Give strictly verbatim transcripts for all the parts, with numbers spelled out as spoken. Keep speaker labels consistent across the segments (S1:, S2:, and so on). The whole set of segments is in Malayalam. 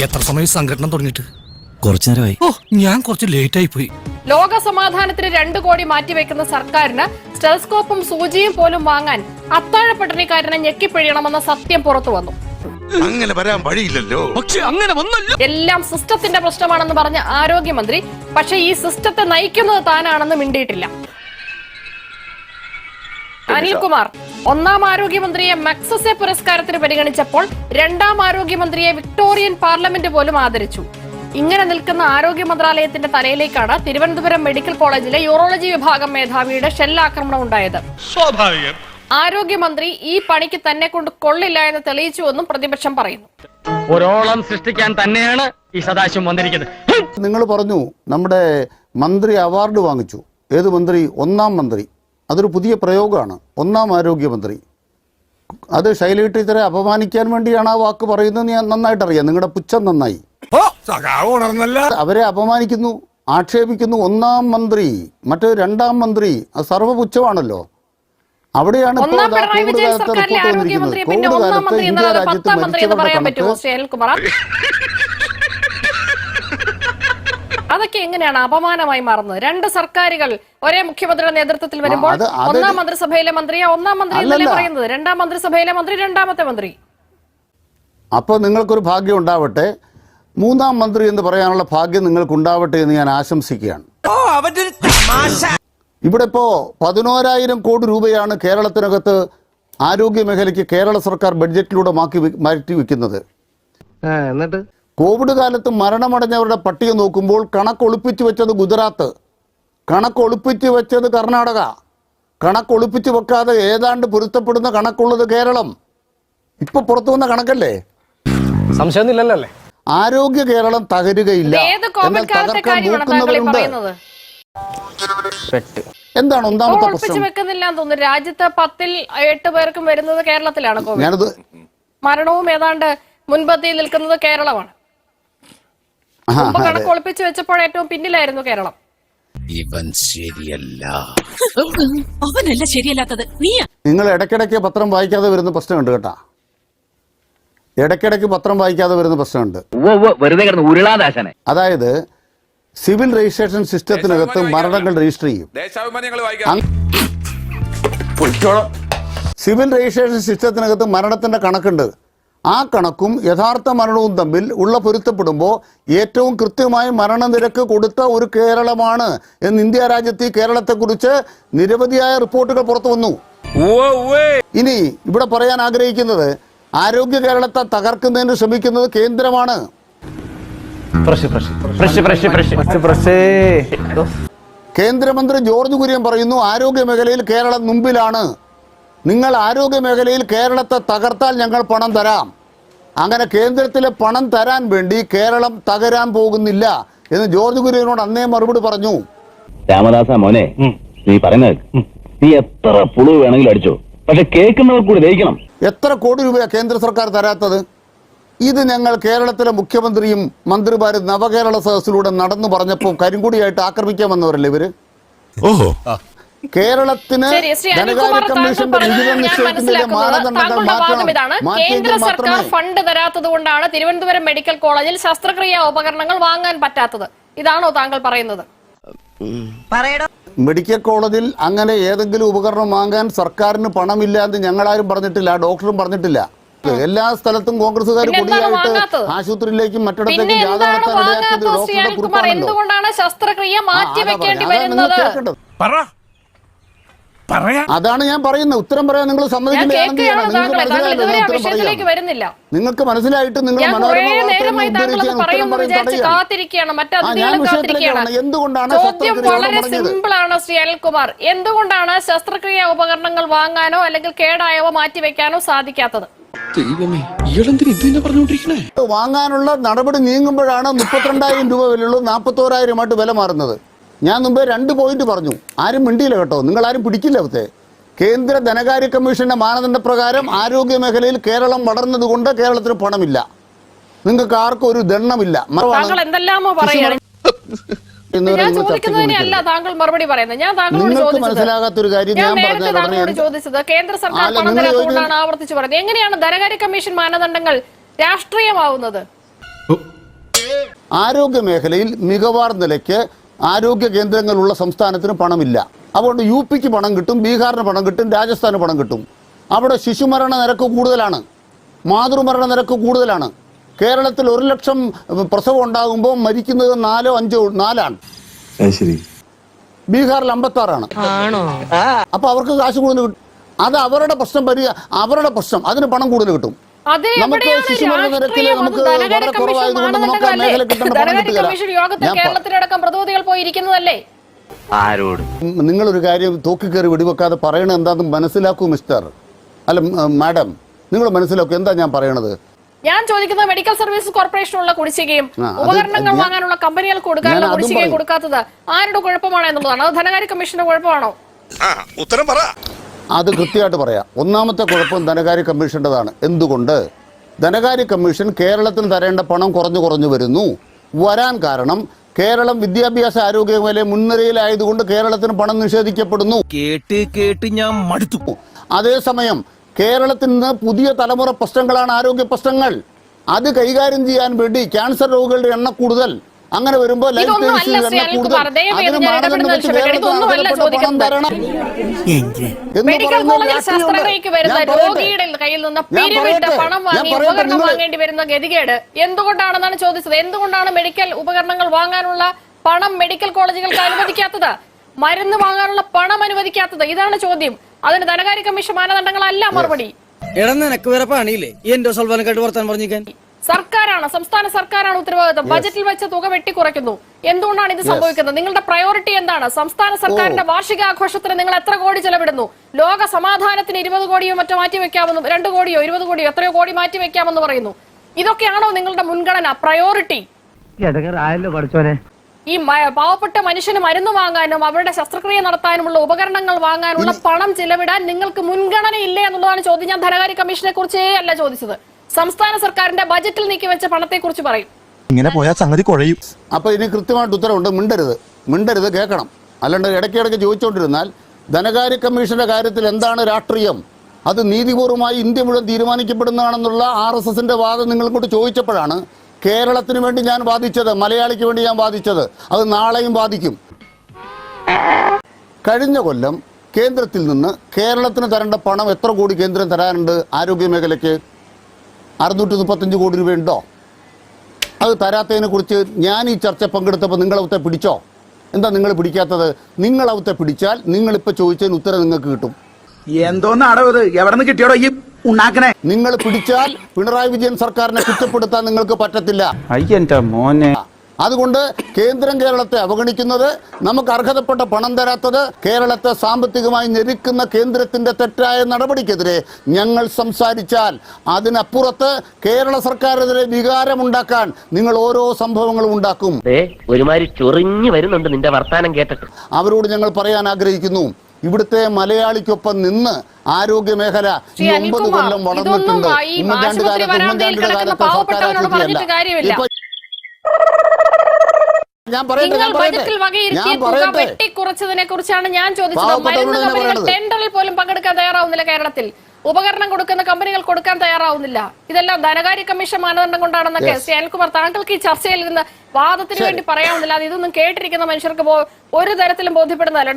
S1: എത്ര സമയം സംഘടന തുടങ്ങിയിട്ട്?
S2: കുറച്ചു നേരമായി.
S1: ഓ, ഞാൻ കുറച്ച് ലേറ്റ് ആയി പോയി.
S3: ലോക സമാധാനത്തിന് രണ്ടു കോടി മാറ്റിവെക്കുന്ന സർക്കാരിന് സ്റ്റെലസ്കോപ്പും സൂചിയും പോലും വാങ്ങാൻ അത്താഴ പട്ടിണിക്കാരനെ ഞെക്കിപ്പിഴിയണമെന്ന സത്യം പുറത്തു വന്നു.
S4: അങ്ങനെ വരാൻ വഴിയില്ലല്ലോ.
S1: പക്ഷെ അങ്ങനെ വന്നല്ലോ.
S3: എല്ലാം സിസ്റ്റത്തിന്റെ പ്രശ്നമാണെന്ന് പറഞ്ഞ ആരോഗ്യമന്ത്രി പക്ഷെ ഈ സിസ്റ്റത്തെ നയിക്കുന്നത് താനാണെന്ന് മിണ്ടിയിട്ടില്ല. അനിൽകുമാർ ഒന്നാം ആരോഗ്യമന്ത്രിയെ മക്സസെ പുരസ്കാരത്തിന് പരിഗണിച്ചപ്പോൾ രണ്ടാം ആരോഗ്യമന്ത്രിയെ വിക്ടോറിയൻ പാർലമെന്റ് പോലും ആദരിച്ചു. ഇങ്ങനെ നിൽക്കുന്ന ആരോഗ്യ മന്ത്രാലയത്തിന്റെ തലയിലേക്കാണ് തിരുവനന്തപുരം മെഡിക്കൽ കോളേജിലെ യൂറോളജി വിഭാഗം മേധാവിയുടെ ഷെല്ലാക്രമണം ഉണ്ടായത്.
S1: സ്വാഭാവികം.
S3: ആരോഗ്യമന്ത്രി ഈ പണിക്ക് തന്നെ കൊണ്ട് കൊള്ളില്ല എന്ന് തെളിയിച്ചുവെന്നും പ്രതിപക്ഷം പറയുന്നു.
S5: ഒരോളം സൃഷ്ടിക്കാൻ തന്നെയാണ് ഈ സദാശിവം വന്നിരിക്കുന്നത്.
S6: നിങ്ങൾ പറഞ്ഞു നമ്മുടെ മന്ത്രി അവാർഡ് വാങ്ങിച്ചു. ഏത് മന്ത്രി? ഒന്നാം മന്ത്രി. അതൊരു പുതിയ പ്രയോഗമാണ്, ഒന്നാം ആരോഗ്യമന്ത്രി. അത് ശൈലജ ടീച്ചറെ അപമാനിക്കാൻ വേണ്ടിയാണ് ആ വാക്ക് പറയുന്നത്. ഞാൻ നന്നായിട്ട് അറിയാം, നിങ്ങളുടെ പുച്ഛം നന്നായി. അവരെ അപമാനിക്കുന്നു, ആക്ഷേപിക്കുന്നു. ഒന്നാം മന്ത്രി, മറ്റേ രണ്ടാം മന്ത്രി, അത് സർവ്വപുച്ഛമാണല്ലോ. അവിടെയാണ്
S3: അതൊക്കെ എങ്ങനെയാണ് അപമാനമായി മാറുന്നത്? രണ്ട് സർക്കാരുകൾ ഒരേ മുഖ്യമന്ത്രിയുടെ നേതൃത്വത്തിൽ വരുമ്പോൾ ഒന്നാം മന്ത്രിസഭയിലെ മന്ത്രിയെ ഒന്നാം മന്ത്രി എന്നല്ലേ പറയുന്നത്, രണ്ടാം മന്ത്രിസഭയിലെ മന്ത്രി രണ്ടാമത്തെ മന്ത്രി.
S6: അപ്പൊ നിങ്ങൾക്കൊരു ഭാഗ്യം ഉണ്ടാവട്ടെ, മൂന്നാം മന്ത്രി എന്ന് പറയാനുള്ള ഭാഗ്യം നിങ്ങൾക്ക് ഉണ്ടാവട്ടെ എന്ന് ഞാൻ ആശംസിക്കുകയാണ്. ഇവിടെ ഇപ്പോ പതിനോരായിരം കോടി രൂപയാണ് കേരളത്തിനകത്ത് ആരോഗ്യ മേഖലയ്ക്ക് കേരള സർക്കാർ ബഡ്ജറ്റിലൂടെ മാറ്റി മാറ്റി വെക്കുന്നത്.
S5: എന്നിട്ട്
S6: കോവിഡ് കാലത്ത് മരണമടഞ്ഞവരുടെ പട്ടിക നോക്കുമ്പോൾ കണക്കൊളിപ്പിച്ചു വെച്ചത് ഗുജറാത്ത്, കണക്കൊളിപ്പിച്ചു വെച്ചത് കർണാടക, കണക്കൊളിപ്പിച്ചു വെക്കാതെ ഏതാണ്ട് പൊരുത്തപ്പെടുന്ന കണക്കുള്ളത് കേരളം. ഇപ്പൊ പുറത്തു വന്ന കണക്കല്ലേ?
S5: സംശയമൊന്നുമില്ലല്ലോ.
S6: ആരോഗ്യ കേരളം തകരുകയില്ല, എന്നാൽ തകർക്കാൻ നോക്കുന്നവരുണ്ട്. എന്താണ് ഒന്നാമത്തെ പ്രശ്നം?
S3: വെക്കുന്നില്ല തോന്നുന്നു. രാജ്യത്ത് പത്തിൽ എട്ട് പേർക്കും വരുന്നത് കേരളത്തിലാണ് കോവിഡ്.
S6: ഞാനത്
S3: മരണവും ഏതാണ്ട് മുൻപന്തിയിൽ നിൽക്കുന്നത് കേരളമാണ്. കണക്ക് ഒളിപ്പിച്ചു വെച്ചപ്പോൾ ഏറ്റവും പിന്നിലായിരുന്നു കേരളം.
S1: ഇവൻ ശരിയല്ല.
S7: അവനല്ല ശരിയല്ലാത്തത് നീയാ.
S6: നിങ്ങൾ ഇടയ്ക്കിടയ്ക്ക് പത്രം വായിക്കാതെ വരുന്ന പ്രശ്നമുണ്ട് കേട്ടാ. ഇടയ്ക്കിടയ്ക്ക് പത്രം വായിക്കാതെ വരുന്ന പ്രശ്നമുണ്ട്. അതായത് സിവിൽ രജിസ്ട്രേഷൻ സിസ്റ്റത്തിനകത്ത് മരണങ്ങൾ രജിസ്റ്റർ ചെയ്യും. സിവിൽ രജിസ്ട്രേഷൻ സിസ്റ്റത്തിനകത്ത് മരണത്തിന്റെ കണക്കുണ്ട്. ആ കണക്കും യഥാർത്ഥ മരണവും തമ്മിൽ ഉള്ള പൊരുത്തപ്പെടുമ്പോൾ ഏറ്റവും കൃത്യമായ മരണനിരക്ക് കൊടുത്ത ഒരു കേരളമാണ് എന്ന് ഇന്ത്യ രാജ്യത്ത് ഈ കേരളത്തെക്കുറിച്ച് നിരവധിയായ റിപ്പോർട്ടുകൾ പുറത്തു വന്നു. ഇനി ഇവിടെ പറയാൻ ആഗ്രഹിക്കുന്നത്, ആരോഗ്യ കേരളത്തെ തകർക്കുന്നതിന് ശ്രമിക്കുന്നത് കേന്ദ്രമാണ്. കേന്ദ്രമന്ത്രി ജോർജ് കുര്യൻ പറയുന്നു ആരോഗ്യ മേഖലയിൽ കേരളം മുമ്പിലാണ്. നിങ്ങൾ ആരോഗ്യ മേഖലയിൽ കേരളത്തെ തകർത്താൽ ഞങ്ങൾ പണം തരാം. അങ്ങനെ കേന്ദ്രത്തിലെ പണം തരാൻ വേണ്ടി കേരളം തകരാൻ പോകുന്നില്ല എന്ന് ജോർജ് കുര്യനോട് അന്നേ മറുപടി പറഞ്ഞു.
S8: രാമദാസ മോനെ, നീ പറയുന്നത് നീ എത്ര പുളു വേണമെങ്കിലും അടിച്ചോ, പക്ഷെ കേൾക്കുന്നവർ കൂടി ദഹിക്കണം.
S6: എത്ര കോടി രൂപയാ കേന്ദ്ര സർക്കാർ തരാത്തത്? ഇത് ഞങ്ങൾ കേരളത്തിലെ മുഖ്യമന്ത്രിയും മന്ത്രിമാരും നവകേരള സദസ്സിലൂടെ നടന്നു പറഞ്ഞപ്പോൾ കരിങ്കുടിയായിട്ട് ആക്രമിക്കാൻ വന്നവരല്ലേ ഇവര്? ഓഹോ, കേരളത്തിന് ധനകാര്യ കമ്മീഷന്റെ വിഹിതം നിശ്ചയിക്കുന്നതിലെ മാനദണ്ഡങ്ങൾ മാറ്റണം.
S3: കേന്ദ്ര സർക്കാർ ഫണ്ട് തരാത്തത് കൊണ്ടാണ് തിരുവനന്തപുരം മെഡിക്കൽ കോളേജിൽ ശസ്ത്രക്രിയാ ഉപകരണങ്ങൾ വാങ്ങാൻ പറ്റാത്തത്. ഇതാണോ താങ്കൾ പറയുന്നത്?
S6: മെഡിക്കൽ കോളേജിൽ അങ്ങനെ ഏതെങ്കിലും ഉപകരണം വാങ്ങാൻ സർക്കാരിന് പണമില്ല എന്ന് ഞങ്ങളാരും പറഞ്ഞിട്ടില്ല, ഡോക്ടറും പറഞ്ഞിട്ടില്ല. എല്ലാ സ്ഥലത്തും കോൺഗ്രസുകാർ കൊടിയായിട്ട് ആശുപത്രിയിലേക്കും മറ്റിടത്തേക്കും ജാഥ നടത്താൻ ഇടയാക്കിയത് ഡോക്ടറുടെ കുറിപ്പാണല്ലോ.
S3: എന്തുകൊണ്ടാണ് ശസ്ത്രക്രിയ മാറ്റിവെക്കേണ്ടി വരുന്നത്?
S6: അതാണ് ഞാൻ പറയുന്നത്. ഉത്തരം പറയാൻ നിങ്ങൾ സമ്മതിക്കുകയാണെങ്കിൽ നിങ്ങൾക്ക് മനസ്സിലായിട്ട് നിങ്ങൾ എന്തുകൊണ്ടാണ്
S3: എന്തുകൊണ്ടാണ് ശസ്ത്രക്രിയ ഉപകരണങ്ങൾ വാങ്ങാനോ അല്ലെങ്കിൽ കേടായവ മാറ്റിവെക്കാനോ സാധിക്കാത്തത്?
S6: വാങ്ങാനുള്ള നടപടി നീങ്ങുമ്പോഴാണ് മുപ്പത്തിരണ്ടായിരം രൂപ വിലയുള്ളൂ നാൽപ്പത്തോരായിരമായിട്ട് വില മാറുന്നത്. ഞാൻ മുമ്പേ രണ്ട് പോയിന്റ് പറഞ്ഞു, ആരും മിണ്ടിയില്ല കേട്ടോ, നിങ്ങൾ ആരും പിടിക്കില്ല. അവത്തെ കേന്ദ്ര ധനകാര്യ കമ്മീഷന്റെ മാനദണ്ഡ പ്രകാരം ആരോഗ്യ മേഖലയിൽ കേരളം വളർന്നതുകൊണ്ട് കേരളത്തിന് പണമില്ല. നിങ്ങൾക്ക് ആർക്കും ഒരു ദണ്ണമില്ല. മനസ്സിലാകാത്തൊരു കാര്യം ഞാൻ
S3: ചോദിച്ചത് കേന്ദ്ര സർക്കാർ പണം തരാത്തതുകൊണ്ടാണ് ആവർത്തിച്ചു പറയുന്നത്. എങ്ങനെയാണ് ധനകാര്യ കമ്മീഷൻ മാനദണ്ഡങ്ങൾ രാഷ്ട്രീയമാവുന്നത്?
S6: ആരോഗ്യ മേഖലയിൽ മികവാർ നിലയ്ക്ക് ആരോഗ്യ കേന്ദ്രങ്ങളുള്ള സംസ്ഥാനത്തിന് പണമില്ല. അതുകൊണ്ട് യു പിക്ക് പണം കിട്ടും, ബീഹാറിന് പണം കിട്ടും, രാജസ്ഥാന് പണം കിട്ടും. അവിടെ ശിശുമരണ നിരക്ക് കൂടുതലാണ്, മാതൃമരണ നിരക്ക് കൂടുതലാണ്. കേരളത്തിൽ ഒരു ലക്ഷം പ്രസവം ഉണ്ടാകുമ്പോൾ മരിക്കുന്നത് നാലോ അഞ്ചോ നാലാണ്. ബീഹാറിൽ അമ്പത്താറാണ്. അപ്പൊ അവർക്ക് കാശ് കൂടുതൽ കിട്ടും. അത് അവരുടെ പ്രശ്നം പരി അവരുടെ പ്രശ്നം അതിന് പണം കൂടുതൽ കിട്ടും. നമുക്ക് ശിശുമരണ നിരക്കിൽ നമുക്ക് വളരെ കുറവായതുകൊണ്ട് നമുക്ക് ആ മേഖല കിട്ടേണ്ട പണം കിട്ടുക.
S3: കേരളത്തിലടക്കം പ്രതിനിധികൾ പോയിരിക്കുന്നതല്ലേ?
S6: നിങ്ങളൊരു കാര്യം തൂക്കിക്കയറി വെടിവെക്കാതെ പറയണത് എന്താണെന്ന് മനസ്സിലാക്കൂ മിസ്റ്റർ, അല്ല മാഡം, നിങ്ങൾ മനസ്സിലാക്കൂ എന്താ ഞാൻ പറയണത്.
S3: ഞാൻ ചോദിക്കുന്നത് മെഡിക്കൽ സർവീസസ് കോർപ്പറേഷനുള്ള കുടിശ്ശികയും ഉപകരണങ്ങൾ വാങ്ങാനുള്ള കമ്പനികൾക്ക് കൊടുക്കാനുള്ള കുടിശ്ശികയും കൊടുക്കാത്തത് ആരുടെ കുഴപ്പമാണ് എന്നുള്ളതാണ്. അത് ധനകാര്യ കമ്മീഷന്റെ കുഴപ്പമാണോ?
S4: ഉത്തരം പറ.
S6: അത് കൃത്യമായിട്ട് പറയാം. ഒന്നാമത്തെ കുഴപ്പം ധനകാര്യ കമ്മീഷൻ്റെതാണ്. എന്തുകൊണ്ട്? ധനകാര്യ കമ്മീഷൻ കേരളത്തിന് തരേണ്ട പണം കുറഞ്ഞു കുറഞ്ഞു വരുന്നു. വരാൻ കാരണം കേരളം വിദ്യാഭ്യാസ ആരോഗ്യ മേഖല മുൻനിരയിലായതുകൊണ്ട് കേരളത്തിന് പണം നിഷേധിക്കപ്പെടുന്നു.
S1: കേട്ട് കേട്ട് ഞാൻ മടുത്തു.
S6: അതേസമയം കേരളത്തിൽ നിന്ന് പുതിയ തലമുറ പ്രശ്നങ്ങളാണ് ആരോഗ്യ പ്രശ്നങ്ങൾ. അത് കൈകാര്യം ചെയ്യാൻ വേണ്ടി ക്യാൻസർ രോഗികളുടെ എണ്ണം കൂടുതൽ, അങ്ങനെ വരുമ്പോൾ ലൈഫ് എണ്ണം കൂടുതൽ, അതിന് മാനദണ്ഡം വെച്ച് കേരളത്തിന് പണം തരണം എന്ന് പറയുന്നത്
S3: വാങ്ങേണ്ടി വരുന്ന ഗതികേട് എന്തുകൊണ്ടാണെന്നാണ് ചോദിച്ചത്. എന്തുകൊണ്ടാണ് മെഡിക്കൽ ഉപകരണങ്ങൾ വാങ്ങാനുള്ള പണം മെഡിക്കൽ കോളേജുകൾക്ക് അനുവദിക്കാത്തത്, മരുന്ന് വാങ്ങാനുള്ള പണം അനുവദിക്കാത്തത്? ഇതാണ് ചോദ്യം. അതിന് ധനകാര്യ കമ്മീഷൻ മാനദണ്ഡങ്ങളല്ല മറുപടി. സർക്കാരാണ്, സംസ്ഥാന സർക്കാരാണ് ഉത്തരവാദിത്വം. ബജറ്റിൽ വെച്ച തുക വെട്ടിക്കുറയ്ക്കുന്നു. എന്തുകൊണ്ടാണ് ഇത് സംഭവിക്കുന്നത്? നിങ്ങളുടെ പ്രയോറിറ്റി എന്താണ്? സംസ്ഥാന സർക്കാരിന്റെ വാർഷികാഘോഷത്തിന് നിങ്ങൾ എത്ര കോടി ചെലവിടുന്നു? ലോക സമാധാനത്തിന് ഇരുപത് കോടിയോ മറ്റോ മാറ്റി വെക്കാമെന്ന്, രണ്ട് കോടിയോ ഇരുപത് കോടിയോ എത്രയോ കോടി മാറ്റി വെക്കാമെന്ന് പറയുന്നു. ഇതൊക്കെയാണോ നിങ്ങളുടെ മുൻഗണന, പ്രയോറിറ്റി? ഈ പാവപ്പെട്ട മനുഷ്യന് മരുന്ന് വാങ്ങാനും അവരുടെ ശസ്ത്രക്രിയ നടത്താനുമുള്ള ഉപകരണങ്ങൾ വാങ്ങാനുള്ള പണം ചിലവിടാൻ നിങ്ങൾക്ക് മുൻഗണന ഇല്ലേ എന്നുള്ളതാണ് ചോദ്യം. ഞാൻ ധനകാര്യ കമ്മീഷനെ കുറിച്ചേ അല്ല ചോദിച്ചത്. സംസ്ഥാന സർക്കാരിന്റെ ബജറ്റിൽ നീക്കി വെച്ച പണത്തെ കുറിച്ച് പറയും.
S2: ഇങ്ങനെ പോയാൽ സംഗതി കുഴയും.
S6: അപ്പൊ ഇനി കൃത്യമായിട്ട് ഉത്തരവുണ്ട്. മിണ്ടരുത്, മിണ്ടരുത്, കേൾക്കണം. അല്ലാണ്ട് ഇടയ്ക്കിടയ്ക്ക് ചോദിച്ചുകൊണ്ടിരുന്നാൽ ധനകാര്യ കമ്മീഷന്റെ കാര്യത്തിൽ എന്താണ് രാഷ്ട്രീയം, അത് നീതിപൂർവമായി ഇന്ത്യ മുഴുവൻ തീരുമാനിക്കപ്പെടുന്നതാണെന്നുള്ള ആർ എസ് എസിന്റെ വാദം നിങ്ങൾ ഇങ്ങോട്ട് ചോദിച്ചപ്പോഴാണ് കേരളത്തിന് വേണ്ടി ഞാൻ വാദിച്ചത്, മലയാളിക്ക് വേണ്ടി ഞാൻ വാദിച്ചത്. അത് നാളെയും വാദിക്കും. കഴിഞ്ഞ കൊല്ലം കേന്ദ്രത്തിൽ നിന്ന് കേരളത്തിന് തരേണ്ട പണം എത്ര കോടി കേന്ദ്രം തരാനുണ്ട് ആരോഗ്യ മേഖലയ്ക്ക്? അറുന്നൂറ്റി മുപ്പത്തഞ്ച് കോടി രൂപയുണ്ടോ? അത് തരാത്തതിനെ കുറിച്ച് ഞാൻ ഈ ചർച്ച പങ്കെടുത്തപ്പോൾ നിങ്ങളവത്തെ പിടിച്ചോ? എന്താ നിങ്ങൾ പിടിക്കാത്തത്? നിങ്ങളവത്തെ പിടിച്ചാൽ നിങ്ങളിപ്പോൾ ചോദിച്ചതിന് ഉത്തരം നിങ്ങൾക്ക് കിട്ടും.
S9: എന്തോന്നാടോ ഇത്? എവിടെ നിന്ന് കിട്ടിയോടോ ഈ ഉണ്ടാക്കണേ?
S6: നിങ്ങൾ പിടിച്ചാൽ പിണറായി വിജയൻ സർക്കാരിനെ കുറ്റപ്പെടുത്താൻ നിങ്ങൾക്ക് പറ്റത്തില്ല.
S2: അയ്യന്റെ മോനെ.
S6: അതുകൊണ്ട് കേന്ദ്രം കേരളത്തെ അവഗണിക്കുന്നത്, നമുക്ക് അർഹതപ്പെട്ട പണം തരാത്തത്, കേരളത്തെ സാമ്പത്തികമായി ഞെരുക്കുന്ന കേന്ദ്രത്തിന്റെ തെറ്റായ നടപടിക്കെതിരെ ഞങ്ങൾ സംസാരിച്ചാൽ അതിനപ്പുറത്ത് കേരള സർക്കാരിനെതിരെ വികാരമുണ്ടാക്കാൻ നിങ്ങൾ ഓരോ സംഭവങ്ങളും ഉണ്ടാക്കും.
S5: ഒരുമാതിരി ചൊറിഞ്ഞു വരുന്നുണ്ട് നിന്റെ വർത്താനം കേട്ടിട്ട്.
S6: അവരോട് ഞങ്ങൾ പറയാൻ ആഗ്രഹിക്കുന്നു, ഇവിടുത്തെ മലയാളിക്കൊപ്പം നിന്ന് ആരോഗ്യ മേഖല ഈ ഒമ്പത് കൊല്ലം വളർന്നിട്ടുണ്ട്. ഉമ്മൻചാണ്ടി കാലത്ത് ഉമ്മൻചാണ്ടിയുടെ കാലത്ത് സർക്കാർ ആശുപത്രിയല്ല. ഇപ്പൊ ഞാൻ പറയട്ടെ ഞാൻ പറയട്ടെ
S3: വെട്ടിക്കുറച്ചതിനെ കുറിച്ചാണ് ഞാൻ ചോദിച്ചത്. മരുന്ന് കമ്പനികൾ ടെൻഡറിൽ പോലും പങ്കെടുക്കാൻ തയ്യാറാവുന്നില്ല. കേരളത്തിൽ ഉപകരണം കൊടുക്കുന്ന കമ്പനികൾ കൊടുക്കാൻ തയ്യാറാവുന്നില്ല. ഇതെല്ലാം ധനകാര്യ കമ്മീഷൻ മാനദണ്ഡം കൊണ്ടാണെന്നൊക്കെ ശ്രീ അനിൽകുമാർ താങ്കൾക്ക് ഈ ചർച്ചയിൽ നിന്ന് വാദത്തിന് വേണ്ടി പറയാവുന്നില്ല. അത് ഇതൊന്നും കേട്ടിരിക്കുന്ന മനുഷ്യർക്ക് ഒരു തരത്തിലും ബോധ്യപ്പെടുന്നതല്ല.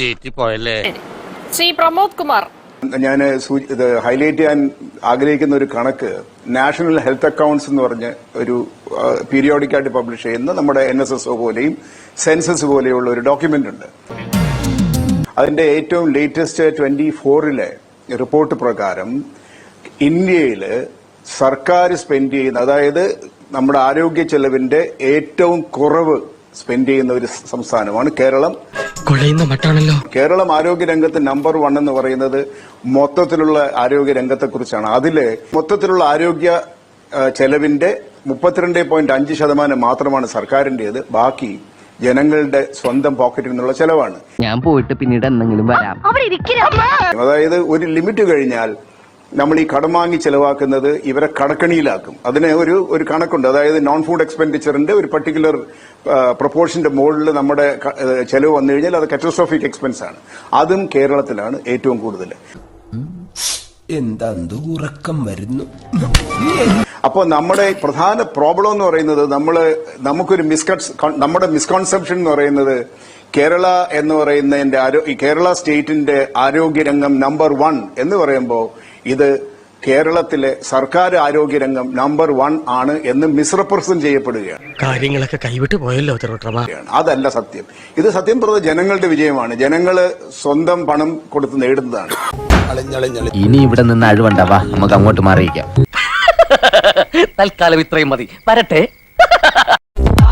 S3: ശ്രീ പ്രമോദ് കുമാർ,
S10: ഞാൻ ഇത് ഹൈലൈറ്റ് ചെയ്യാൻ ആഗ്രഹിക്കുന്ന ഒരു കണക്ക് നാഷണൽ ഹെൽത്ത് അക്കൗണ്ട്സ് എന്ന് പറഞ്ഞ് ഒരു പീരിയോഡിക് ആയിട്ട് പബ്ലിഷ് ചെയ്യുന്ന നമ്മുടെ എൻ എസ് എസ് ഒ പോലെയും സെൻസസ് പോലെയുള്ള ഒരു ഡോക്യുമെന്റ് ഉണ്ട്. അതിന്റെ ഏറ്റവും ലേറ്റസ്റ്റ് ട്വന്റി ഫോറിലെ റിപ്പോർട്ട് പ്രകാരം ഇന്ത്യയിൽ സർക്കാർ സ്പെൻഡ് ചെയ്യുന്ന, അതായത് നമ്മുടെ ആരോഗ്യ ചെലവിന്റെ ഏറ്റവും കുറവ് സ്പെൻഡ് ചെയ്യുന്ന ഒരു സംസ്ഥാനമാണ് കേരളം. കേരളം ആരോഗ്യ രംഗത്ത് നമ്പർ വൺ എന്ന് പറയുന്നത് മൊത്തത്തിലുള്ള ആരോഗ്യ രംഗത്തെ കുറിച്ചാണ്. അതില് മൊത്തത്തിലുള്ള ആരോഗ്യ ചെലവിന്റെ മുപ്പത്തിരണ്ട് പോയിന്റ് അഞ്ച് ശതമാനം മാത്രമാണ് സർക്കാരിന്റേത്. ബാക്കി ജനങ്ങളുടെ സ്വന്തം പോക്കറ്റിൽ നിന്നുള്ള ചെലവാണ്.
S5: ഞാൻ പോയിട്ട് പിന്നീട് എന്തെങ്കിലും വരാം.
S10: അതായത് ഒരു ലിമിറ്റ് കഴിഞ്ഞാൽ നമ്മൾ ഈ കടം വാങ്ങി ചെലവാക്കുന്നത് ഇവരെ കടക്കണിയിലാക്കും. അതിന് ഒരു ഒരു കണക്കുണ്ട്. അതായത് നോൺ ഫുഡ് എക്സ്പെൻഡിച്ചറിന്റെ ഒരു പർട്ടിക്കുലർ പ്രൊപ്പോർഷന്റെ മുകളിൽ നമ്മുടെ ചെലവ് വന്നു കഴിഞ്ഞാൽ അത് കാറ്റസ്ട്രോഫിക് എക്സ്പെൻസ് ആണ്. അതും കേരളത്തിലാണ് ഏറ്റവും കൂടുതൽ.
S1: എന്താ ഉറക്കം വരുന്നു.
S10: അപ്പോൾ നമ്മുടെ പ്രധാന പ്രോബ്ലം എന്ന് പറയുന്നത് നമ്മള് നമുക്കൊരു മിസ്കൺസ് നമ്മുടെ മിസ്കൺസെപ്ഷൻ എന്ന് പറയുന്നത് കേരള എന്ന് പറയുന്നതിന്റെ ആരോ- ഈ കേരള സ്റ്റേറ്റിന്റെ ആരോഗ്യരംഗം നമ്പർ വൺ എന്ന് പറയുമ്പോൾ ഇത് കേരളത്തിലെ സർക്കാർ ആരോഗ്യരംഗം നമ്പർ വൺ ആണ് എന്ന് മിസ്റെപ്രസെന്റ് ചെയ്യപ്പെടുകയാണ്.
S5: കാര്യങ്ങളൊക്കെ കൈവിട്ട് പോയല്ലോ തിരുവട്ടമാ.
S10: അതല്ല സത്യം. ഇത് സത്യം പറഞ്ഞ ജനങ്ങളുടെ വിജയമാണ്. ജനങ്ങള് സ്വന്തം പണം കൊടുത്ത് നേടുന്നതാണ്.
S1: ഇനി ഇവിടെ നിന്ന് അഴിവണ്ടാവാ, നമുക്ക് അങ്ങോട്ട് മാറിയിക്കാം.
S5: തൽക്കാലം ഇത്രയും മതി. വരട്ടെ.